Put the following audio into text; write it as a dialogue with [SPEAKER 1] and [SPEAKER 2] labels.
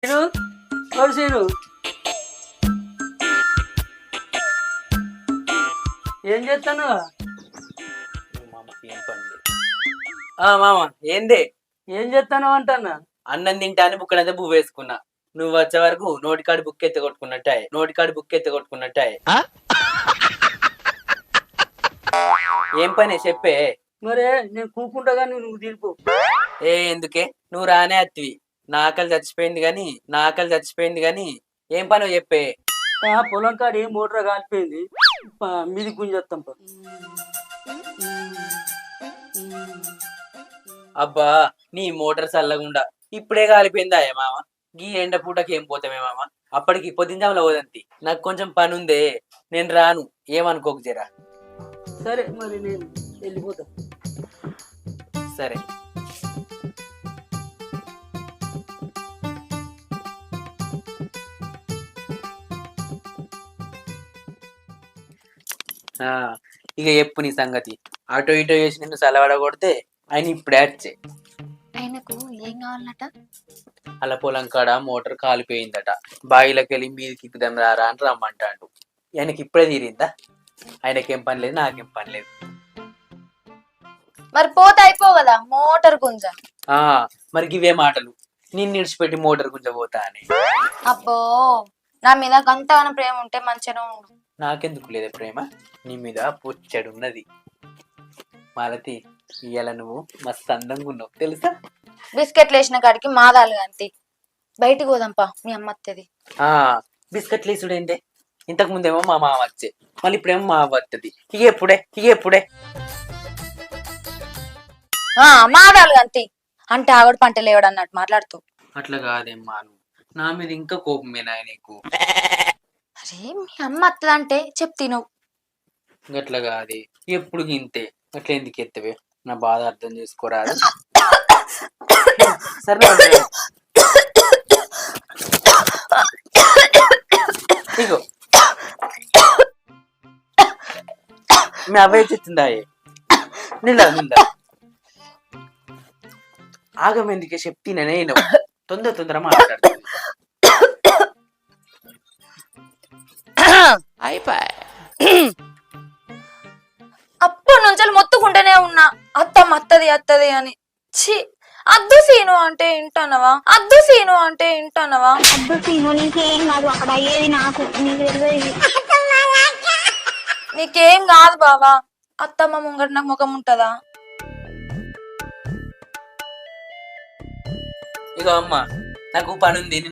[SPEAKER 1] Scene ఓడు scene ఏం చేస్తాను?
[SPEAKER 2] మామ ఏందే
[SPEAKER 1] ఏం చేస్తాను అంటన్నా?
[SPEAKER 2] అన్నం తింటాను బుక్కడంతా పువ్వు వేసుకున్నా. నువ్వు వచ్చే వరకు నోటికాడు బుక్ ఎత్తి కొట్టుకున్నట్టే ఏం పని చెప్పే.
[SPEAKER 1] మరే నేను కూకుంటా కానీ నువ్వు తీర్పు.
[SPEAKER 2] ఎందుకే నువ్వు రానే అత్తివి. నా ఆకలి చచ్చిపోయింది గాని ఏం పని చెప్పే.
[SPEAKER 1] పొలం కాడి మోటార్ కాలిపోయింది, మీది గుంజేస్తాం.
[SPEAKER 2] అబ్బా నీ మోటార్ చల్లగుండా ఇప్పుడే కాలిపోయిందా మామ? గీ ఎండ పూటకి ఏం పోతామే మామ? అప్పటికి పొద్దుంజాములో పోదంతి. నాకు కొంచెం పని ఉందే, నేను రాను, ఏమనుకోకు జరా.
[SPEAKER 1] సరే మరి నేను వెళ్ళిపోతా.
[SPEAKER 2] సరే. ఇక చెప్పు నీ సంగతి. అటో ఇటో చేసి నిన్ను సలవడ కొడితే ఆయన ఇప్పుడే వచ్చే.
[SPEAKER 3] ఆయనకు ఏం కావాలట?
[SPEAKER 2] అలా పొలం కాడ మోటార్ కాలిపోయిందట, బావిలోకి వెళ్ళి మీదికి ఇప్పుదాం రారా అని రమ్మంటాడు. ఆయనకి ఇప్పుడే తీరిందా? ఆయనకేం పని లేదు, నాకేం పని లేదు.
[SPEAKER 3] మరి పోతే అయిపో కదా మోటార్ గుంజ.
[SPEAKER 2] మరి ఇవే మాటలు, నిన్ను ఇడిచిపెట్టి మోటార్ గుంజ పోతా అని.
[SPEAKER 3] అబ్బో నా మీద గంతగాన ప్రేమ ఉంటే మంచిగా ఉండు.
[SPEAKER 2] నాకెందుకు లేదా ప్రేమ? నీ మీద పొచ్చడున్నది. మాలతి, ఇయ్యాల నువ్వు మస్తు అందంగా ఉన్నావు తెలుసా?
[SPEAKER 3] బిస్కెట్లు వేసిన కాడికి మాదాలు అంతి. బయటికి పోదాంపా, మీ అమ్మ వస్తుంది.
[SPEAKER 2] బిస్కెట్లు వేసుడేంటే? ఇంతకు ముందేమో మా మామ వచ్చే, మళ్ళీ ఇప్పుడేమో మా అవ్వ వస్తుంది. ఇక ఎప్పుడే
[SPEAKER 3] మాదాలు అంతి అంటే ఆవిడ పంట లేవడు అన్నట్టు మాట్లాడుతూ.
[SPEAKER 2] అట్లా కాదేమ్మా, నువ్వు నా మీద ఇంకా కోపమేనా నీకు?
[SPEAKER 3] అరే మీ అమ్మ వస్తుందంటే చెప్తి నువ్వు.
[SPEAKER 2] గట్లా కాదే, ఎప్పుడు గింతే. అట్లా ఎందుకు ఎత్తవే? నా బాధ అర్థం చేసుకోరాదు. సరే ఇగో మీ అబ్బాయి తెచ్చిందా? నిందా ఆగమెందుకే చెప్తీనే నేను. తొందర మాట్లాడుతుంది.
[SPEAKER 3] అప్పటి నుంచి మొత్తుకుంటూనే ఉన్నా అత్తది అని. ఛీ, అద్దు సీను అంటే వింటానవా? అద్దు సీను నీకేం కాదు, అక్కడ అయ్యేది నాకు, నీకేం కాదు బావా. అత్తమ్మ ముంగట నాకు ముఖం ఉంటదా?
[SPEAKER 2] ఇగో అమ్మ, నాకు పని ఉంది.